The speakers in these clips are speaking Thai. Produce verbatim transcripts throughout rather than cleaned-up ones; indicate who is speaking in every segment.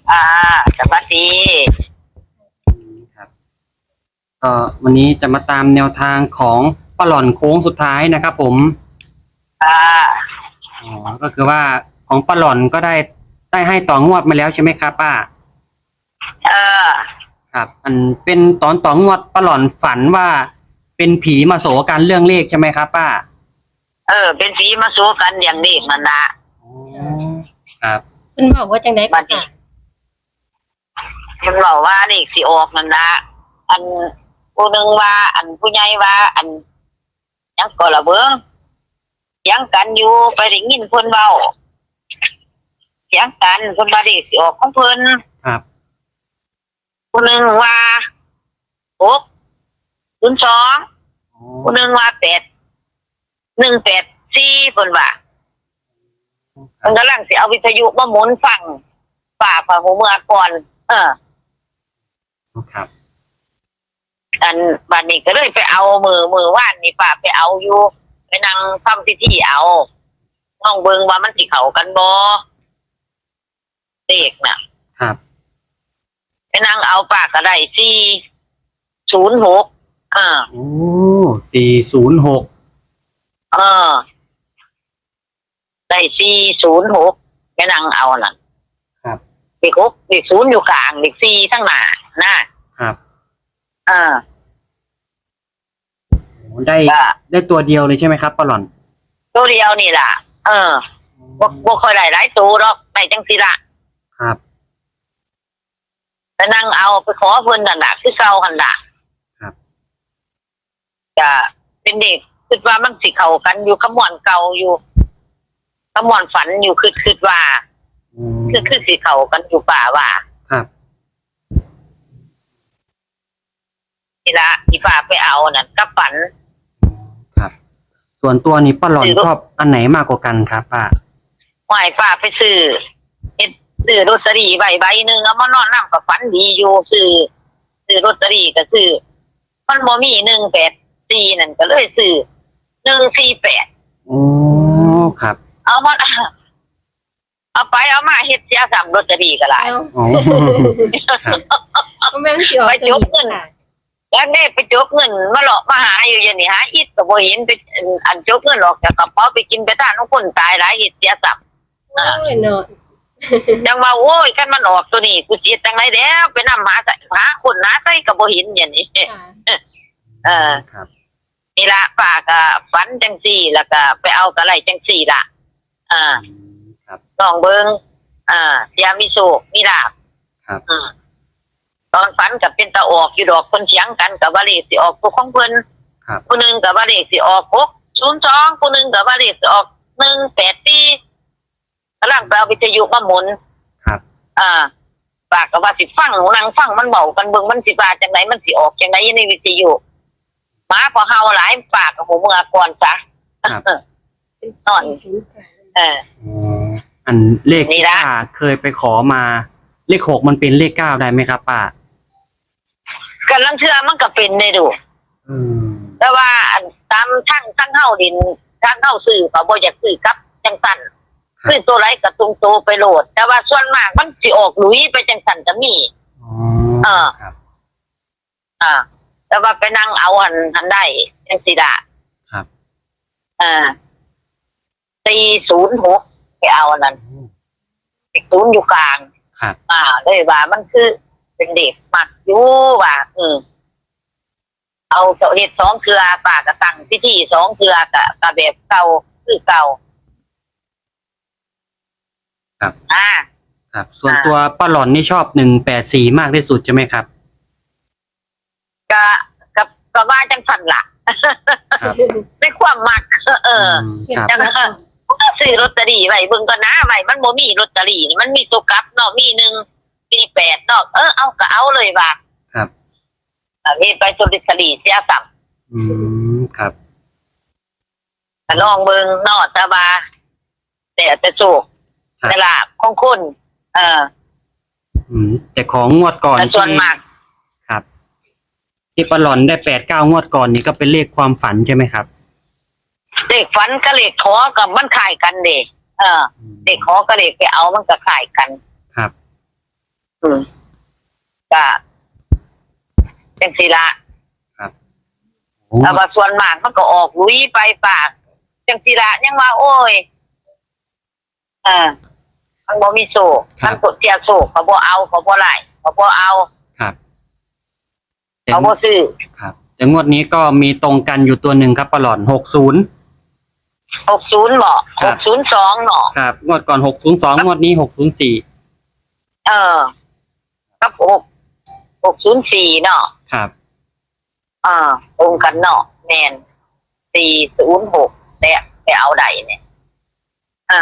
Speaker 1: อ่าสวัสดี
Speaker 2: ครับก็วันนี้จะมาตามแนวทางของป้าหล่อนโค้งสุดท้ายนะครับผม
Speaker 1: อ่า
Speaker 2: อ๋อก็คือว่าของป้าหล่อนก็ได้ได้ให้ต่องวดมาแล้วใช่ไหมครับป้า
Speaker 1: เออ
Speaker 2: ครับอันเป็นตอนต่องวดป้าหล่อนฝันว่าเป็นผีมาโสกันเรื่องเลขใช่ไหมครับป้า
Speaker 1: เออเป็นสีมาสู้กันอย่างนี้มันนะ
Speaker 2: อ๋อครับ
Speaker 3: คุณบอกว่าจังได๋
Speaker 1: บั
Speaker 3: ก็
Speaker 1: ดนี้
Speaker 3: ค่ะ
Speaker 1: มันบอกว่านี่สิออกมันนะอันผู้หนึ่งว่า อันผู้ใหญ่ว่า อันยังก็ระเบิงเสียงกันอยู่ไปได้ยินเพิ่นเว้าเสียงกันเพิ่นว่านี่สิออกของเพิ่น
Speaker 2: ครับ
Speaker 1: ผู้หนึ่งว่าหกศูนย์สองผู้หนึ่งว่าแปดหนึ่งแปดสี่เพิ่นว่าเพิ่นกำลังสิเอาวิทยุมาหมุนฟังฝ่าฝ่าหูเมื่อก่อน เออ
Speaker 2: ครับ
Speaker 1: อันบัดนี้ก็เลยไปเอามือมือว่านนี่ป้าไปเอาอยู่ไปนั่งทำพิธีเอาน้องเบิงว่ามันสิเข้ากันบ่เด็กน่ะ
Speaker 2: ครับ
Speaker 1: ไปนั่งเอาป้าก็ได้สี่ศูนย์หกอ่า
Speaker 2: โอ้สี่ศูนย์หก
Speaker 1: เออได้สี่ศูนย์หกไปนั่งเอาน่ะ
Speaker 2: ครับ
Speaker 1: เด็กหกเด็กศูนย์อยู่กลางเด็กสี่ทั้งหน้านะครับเออ
Speaker 2: ได้ได้ตัวเดียวเลยใช่ไหมครับป้าหล่อน
Speaker 1: ตัวเดียวนี่ล่ะเออบ่บ่ค่อยได้หลายตัวหรอกได้จังซี่ล่ะ
Speaker 2: ครับ
Speaker 1: ไปนั่งเอาไปขอเพิ่นนั่นน่ะคือเก่าหั่นน่ะ
Speaker 2: ครับ
Speaker 1: จะเป็นเด็กคิดว่ามันสิเข้ากันอยู่ขมวนเก่าอยู่ขมวนฝันอยู่คือคิดว่าคือคือสิเข้ากันอยู่ป่าว่า
Speaker 2: ครับ
Speaker 1: นี่ละที่ป่าไปเอานั่นกับฝัน
Speaker 2: ครับส่วนตัวนี้ป้าหล่อนชอบอันไหนมากกว่ากันครับป้า
Speaker 1: หวายป่าไปซื้อเฮ็ดซื้อลอตเตอรี่ใบใบหนึงเอามานอนนำกับฝันดีอยู่ซื้อซื้อลอตเตอรี่ก็ซื้อมันบ่มีหนึ่งแปดสี่นั่นก็เลยซื้อหนึ่งสี่แปด
Speaker 2: โอ้ครับ
Speaker 1: เอามาเอาไปเอามาเฮ็ดเสียสามลอตเตอรี่ก็หลาย
Speaker 2: อ๋อ
Speaker 3: ก็แม่นสิออก
Speaker 1: ไปจกเงินแล้วได้ไปจกเงินมาหลอกมาหาอยู่อย่างนี้หาอิดก็บ่เห็นไปอันจกเงินออกจากกระเป๋าไปกินไปทานของคนตายหลายอิดเสียสับ
Speaker 3: โอ้ยเนาะ
Speaker 1: จังว่าโอ้ยคันมันออกตัวนี้กูสิจังได๋แล้วไปนำหาหาคนหาใส่ก็บ่เห็นอย่างนี้เออ
Speaker 2: ครับ
Speaker 1: นี่ล่ะป้าก็ฝันจังซี่แล้วก็ไปเอากระไรจังซี่ล่ะอ่า
Speaker 2: ครับ
Speaker 1: ลองเบิ่งอ่าเสียมีโชคมีลาภ
Speaker 2: ครับ
Speaker 1: อืมตอนฝันกับเป็นตาออกอยู่ดอกคนเถียงกันกับว่าเลขสิออกตัวของเพิ่น
Speaker 2: ครับ
Speaker 1: ผู้นึงกับว่าเลขสิออกหกศูนย์สองผู้นึงกับว่าเลขสิออกหนึ่งแปดสี่กำลังไปเอาวิทยุมาหมุน
Speaker 2: ครับ
Speaker 1: อ่าปากกับว่าสิฟังหนูนั่งฟังมันเบากันเบิ่งมันสิว่าจังไดมันสิออกจังไดในวิทยุหมาพอเฮาหลายปากกับหูเมื่อก่อนจ้ะนอนเออ
Speaker 2: อันเลขที่ป้าเคยไปขอมาเลขหกมันเป็นเลขเก้าได้ไหมครับป้า
Speaker 1: กันลังเชื่อมันก็เป็นได้ดูแต่ว่าตามทั้งทั้งเฮาดินทั้งเฮาซื้อก็บ่อยากซื้อกับจังซั่นซื้อตัวไรก็ตุงโตไปโหลดแต่ว่าส่วนมากมันสิออกหลุยไปจังซั่นก็มี
Speaker 2: อ๋อ
Speaker 1: เออครับอ่าแต่ว่าไปนั่งเอาหันหันได้จังซี่ล่ะ
Speaker 2: ครับ
Speaker 1: อ่าสี่ศูนย์หกไปเอานั่นอีกศูนย์อยู่กลาง
Speaker 2: ครับ
Speaker 1: อ่าเลยว่ามันคือเป็นเด็กมักอยู่ว่าอืมเอาเจ้าเฮ็ดสองเครือป้าก็ตั้งพิธีสองเครือก็ก็แบบเก่าคือเก่า
Speaker 2: ครับ
Speaker 1: อ่า
Speaker 2: ครับส่วนตัวป้าหล่อนนี่ชอบหนึ่งแปดสี่มากที่สุดใช่ไหมครับ
Speaker 1: ก็ก็ก็ว่าจังซั่นล่ะในความมักเออจังซั่นก็ซื้อลอตเตอรี่ไว้เบิ่งก่อนนะไว้มันบ่มีลอตเตอรี่มันมีตัวกลับเนาะมีหนึ่งสี่แปดเนาะเออเอาก็เอาเลยว่า
Speaker 2: ครับ
Speaker 1: เฮ็ดไปตัวลอตเตอรี่เสียซ้ํ
Speaker 2: อืมครับ
Speaker 1: ก็ลองเบิ่งเนาะแต่ว่าแต่แต่โชคแต่ลาภของคนเออ
Speaker 2: อืมแต่ของงวดก่อน
Speaker 1: ส่วนมาก
Speaker 2: ครับที่ป้าหล่อนได้แปดเก้างวดก่อนนี่ก็เป็นเลขความฝันใช่ไหมครับ
Speaker 1: เลขฝันกับเลขขอกับมันคล้ายกันเด้เออเลขขอกับเลขไปเอามันก็คล้ายกัน
Speaker 2: ครับ
Speaker 1: อืมก็จังสิละ
Speaker 2: โอ้
Speaker 1: แต่ว่าส่วนมากมันก็ออกลุยไปปากจังสิละยังว่าโอ้ยอ่ามันบ่มีโซ่มันกดเสียโซ่เขาบ่เอาเขาบ่ไล่เขาบ่เอา
Speaker 2: ครับแต่
Speaker 1: เขาบ่ซื้อ
Speaker 2: ครับแต่งวดนี้ก็มีตรงกันอยู่ตัวหนึ่งครับปลาหลอนหกศูนย์
Speaker 1: หกสิบบ่
Speaker 2: ครั
Speaker 1: ห
Speaker 2: บ
Speaker 1: กสิบสองเนาะ
Speaker 2: ครับงวดก่อนหกศูนย์สองงวดนี้หกศูนย์สี่
Speaker 1: เออกับหกหกศูนย์สี่เนาะ
Speaker 2: ครับ
Speaker 1: อ่าตรงกันเนาะแม่นสี่ศูนย์หกแต่ไปเอาใดเนี่ยอ่า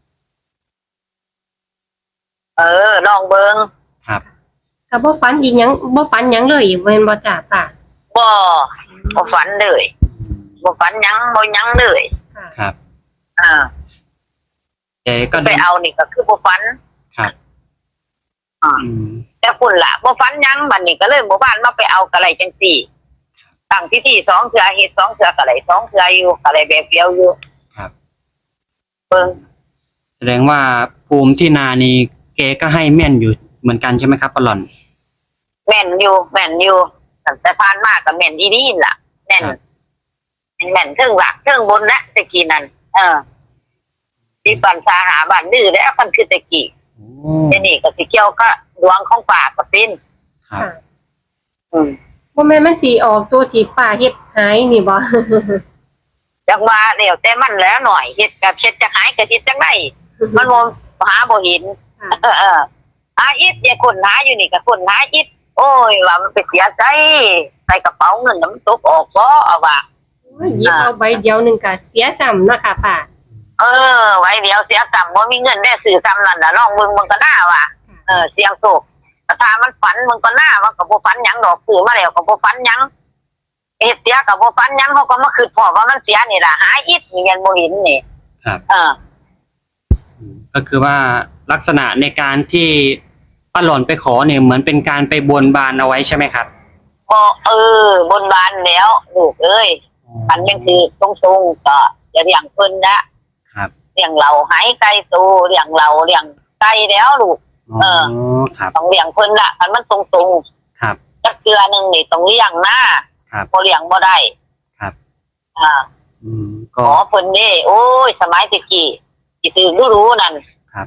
Speaker 1: เออลองเบิ่ง
Speaker 2: ครับ
Speaker 3: ถ้าบ่ฝันอีหยังบ่ฝันหยังเลยแม่นบ่จ้าป่า
Speaker 1: บ่บ่ฝันเลยบ่ฝันหยังบ่หยังเลย
Speaker 3: ค่ะ
Speaker 2: ครับ
Speaker 1: อ่า
Speaker 2: แต่ก็
Speaker 1: ไป
Speaker 2: เดิน
Speaker 1: เอานี่ก็คือบ่ฝัน
Speaker 2: ครับ
Speaker 1: อ่า
Speaker 2: อืม
Speaker 1: แต่คุณล่ะบ่ฝันหยังบัดนี้ก็เลยหมู่บ้านมาไปเอากะไรจังซี่ตั้งพิธีสองเทื่อเฮ็ดสองเทื่อกะไรสองเทื่ออยู่กะไรแบบเดียวอยู่
Speaker 2: ครับ
Speaker 1: เบิ่ง
Speaker 2: แสดงว่าภูมิที่นานี่เกก็ให้แม่นอยู่เหมือนกันใช่ไหมครับปลาหลอน
Speaker 1: แม่นอยู่แม่นอยู่ตั้งแต่ผ่านมาก็แม่นอีนี่ล่ะแม่น
Speaker 2: ครับ
Speaker 1: แม่นเทิงหลักเทิงบนและตะกี้นั่นเออที่ปันสาหาบ้านดื้อแล้วมันคือตะกี้
Speaker 2: โอ้
Speaker 1: ทีนี่ก็สิเกี่ยวก็ดวงของป่าก็เป็น
Speaker 2: ครับ
Speaker 3: ค่ะ
Speaker 1: อืม
Speaker 3: บ่แม่นมันสิออกตัวที่ป่าเฮ็ดหายนี่บ่
Speaker 1: จังว่าเดี๋ยวแต่มันแล้วหน่อยเฮ็ดกับเช็ดจะหายก็เฮ็ดจังไดมันบ่หาบ่เห็น
Speaker 3: ค่ะ
Speaker 1: เออเออหาอิดอย่าคนหาอยู่นี่ก็คนหาอิดโอ้ยว่ามันไปเสียใจใส่กระเป๋าเงินน้ำตกออกบ่เอาว่า
Speaker 3: โอ้ยหยิบเอาใบเดียวหนึงก็เสียซ้ำเนาะค่ะป่า
Speaker 1: เออไว้เดี๋ยวเสียกรรมบ่มีเงินได้ซื้อซ้ำนั่นน่ะลองเบิ่งมันก็น่าว่ะเออเสียงโศกแต่ถ้ามันฝันมันก็น่ามันก็บ่ฝันหยังดอกซื้อมาแล้วก็บ่ฝันหยังเฮ็ดเสียก็บ่ฝันหยังเขาก็มาคิดพอว่ามันเสียนี่ล่ะหาอิดนี่ยังบ่เห็นนี่
Speaker 2: ครับ
Speaker 1: เออ
Speaker 2: อืมก็คือว่าลักษณะในการที่ปลาหลอนไปขอเนี่ยเหมือนเป็นการไปบนบานเอาไว้ใช่ไหมครับ
Speaker 1: บ่เออบนบานแล้วลูกเอ้ยฝันยังคือตรงๆก็จะเลี้ยงเพิ่นนะครับ เลี้ยงเราหายไก่ตูเลี้ยงเราเลี้ยงไก่แล้วลูก
Speaker 2: อ๋อ
Speaker 1: เออ
Speaker 2: ครับ
Speaker 1: ต้องเลี้ยงเพิ่นละคันมันตรง
Speaker 2: ครับ
Speaker 1: ๆจักเทื่อหนึงนี่ต้องเลี้ยงนะครับ บ่เลี้ยงบ่ได้
Speaker 2: ครับ
Speaker 1: อ่า
Speaker 2: อืม
Speaker 1: ข
Speaker 2: ก็
Speaker 1: อเพิ่นนี่โอ้ยสมัยตะกี้สิถือรู้ๆนั่น
Speaker 2: ครับ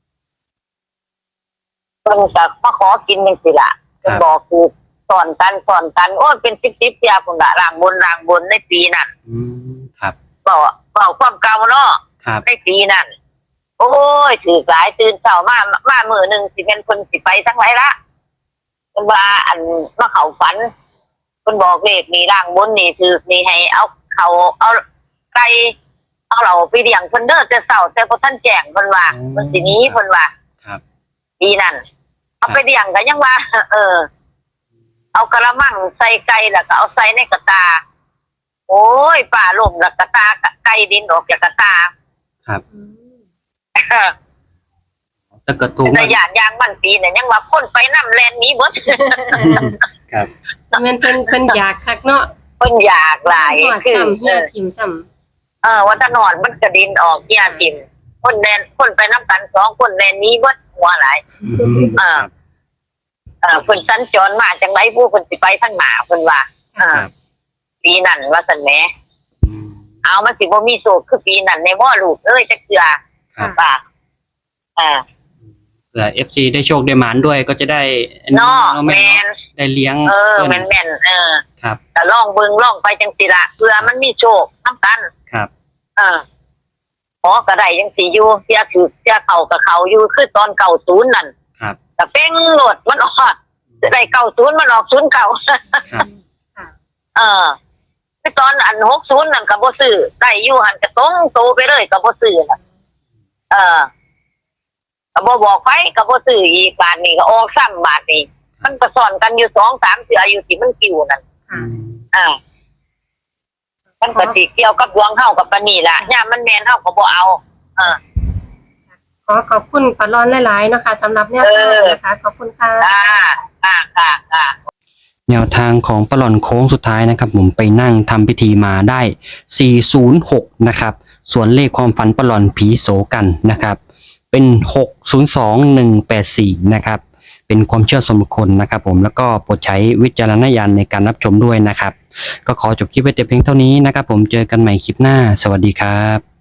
Speaker 1: เพิ่นก็มาขอกินจังซี่ล่ะเพิ่นบอกคือสอนกันสอนกันโอ้ยเป็นสิบๆเที่ยพุ่นล่ะร่างบนร่างบนในปีนั้น
Speaker 2: อืมครับ
Speaker 1: เว้าเว้าความเก่าเนาะ
Speaker 2: ครับ
Speaker 1: ในปีนั้นโอ้ยถือหลายตื่นเช้ามามามื้อหนึงสิเป็นเพิ่นสิไปทั้งหลายละเพิ่นว่าอันมาเข้าฝันเพิ่นบอกเลขนี่ร่างบนนี่ถือนี่ให้เอาเขาเอาไก่เอาเราไปเลี้ยงเพิ่นเด้อแต่เช้าแต่บ่ทันแจ้งเพิ่นว่าเพิ่นสิหนีเพิ่นว่า
Speaker 2: ครับ
Speaker 1: ปีนั้นเอาไปเลี้ยงก็ยังว่า เออ เอากระมังใส่ไก่แล้วก็เอาใส่ในกระตา โอ้ยป่าล่มแล้วกระตาไก่ดินออกจากกระตา
Speaker 2: ครับ
Speaker 3: อืม
Speaker 2: ถ้าเกิดถูก
Speaker 1: แต่ยานยางมันปีเนี่ยยังว่าคนไปน้ำแลนหนี้เบิด
Speaker 2: ครับ
Speaker 3: แม่นเพิ่นเพิ่นอยากคักเนาะ
Speaker 1: คนอยากหลาย
Speaker 3: หอด
Speaker 1: คือ
Speaker 3: ซ้ำเฮี
Speaker 1: เอย อ
Speaker 3: ทิ่มซ้ำ
Speaker 1: เออวัฒนอนมันกระดินออกเกียร์ทิมคนแลนคนไปน้ำกันสองคนแลนหนี้เบิดหัวหลาย
Speaker 2: อืม
Speaker 1: อ่า เออเพิ่นสัญจรมาจังไรผู้เพิ่นสิไปทางหน้าเพิ่นว่าอ่า
Speaker 2: ครับ
Speaker 1: ปีนั้นว่าซั่นแหม
Speaker 2: อืม
Speaker 1: เอามันสิบ่มีโศกคือปีนั้นในบ่ลูกเอ้ยจักเทื่อ
Speaker 2: ครับ
Speaker 1: ป่ะอ่า
Speaker 2: เผื่อเอฟซีได้โชคได้หมานด้วยก็จะได้อั
Speaker 1: เนาะ
Speaker 2: เนาะ
Speaker 1: แม
Speaker 2: แม่เนาะ
Speaker 1: น
Speaker 2: ได้เลี้ยง
Speaker 1: เออ
Speaker 2: เพิ่น
Speaker 1: แม่นแม่นเออ
Speaker 2: ครับ
Speaker 1: แต่ลองเบิ่งลองไปจังสิละเพื่อมันมีโชคนำกัน
Speaker 2: ครับ
Speaker 1: เออขอก็ได้จังสิอยู่เสียถือเสียเข้ากับเขาอยู่คือตอนเก้าสิบนั่น
Speaker 2: ครับ
Speaker 1: แต่เป้งโหลดมันออกได้เก้าสิบมันออกศูนย์เก้า
Speaker 2: ครับ
Speaker 1: เออคือตอนอันหกสิบนั่นก็บ่ซื้อได้อยู่หันก็ตรงโตไปเลยก็บ่ซื้อน่ะเออก็บ่บอกไปก็บ่ซื้ออีกบาทนี้ก็ออกซ้ำบาทนี้มันก็สอนกันอยู่สองสามเทื่ออยู่ที่มันกิ้วนั่น
Speaker 3: ค่ะ
Speaker 1: อ่ามันก็สิเกี่ยวกับดวงเฮากับปานนี้ล่ะยามมันแม่นเฮาก็บ่เอาเออ
Speaker 3: ขอขอบคุณปลาร้อนหลายๆเนาะค่ะสำหรับแนวทางนะคะขอบคุณค่ะ
Speaker 1: ค่ะค่ะค่ะค่ะ
Speaker 2: แนวทางของปลาหลอนโค้งสุดท้ายนะครับ ผมไปนั่งทำพิธีมาได้สี่ศูนย์หกนะครับ ส่วนเลขความฝันปลาหลอนผีโสกันนะครับ เป็นหกศูนย์สองหนึ่งแปดสี่นะครับเป็นความเชื่อส่วนบุคคลนะครับผมแล้วก็โปรดใช้วิจารณญาณในการรับชมด้วยนะครับก็ขอจบคลิปไว้แต่เพียงเท่านี้นะครับผมเจอกันใหม่คลิปหน้าสวัสดีครับ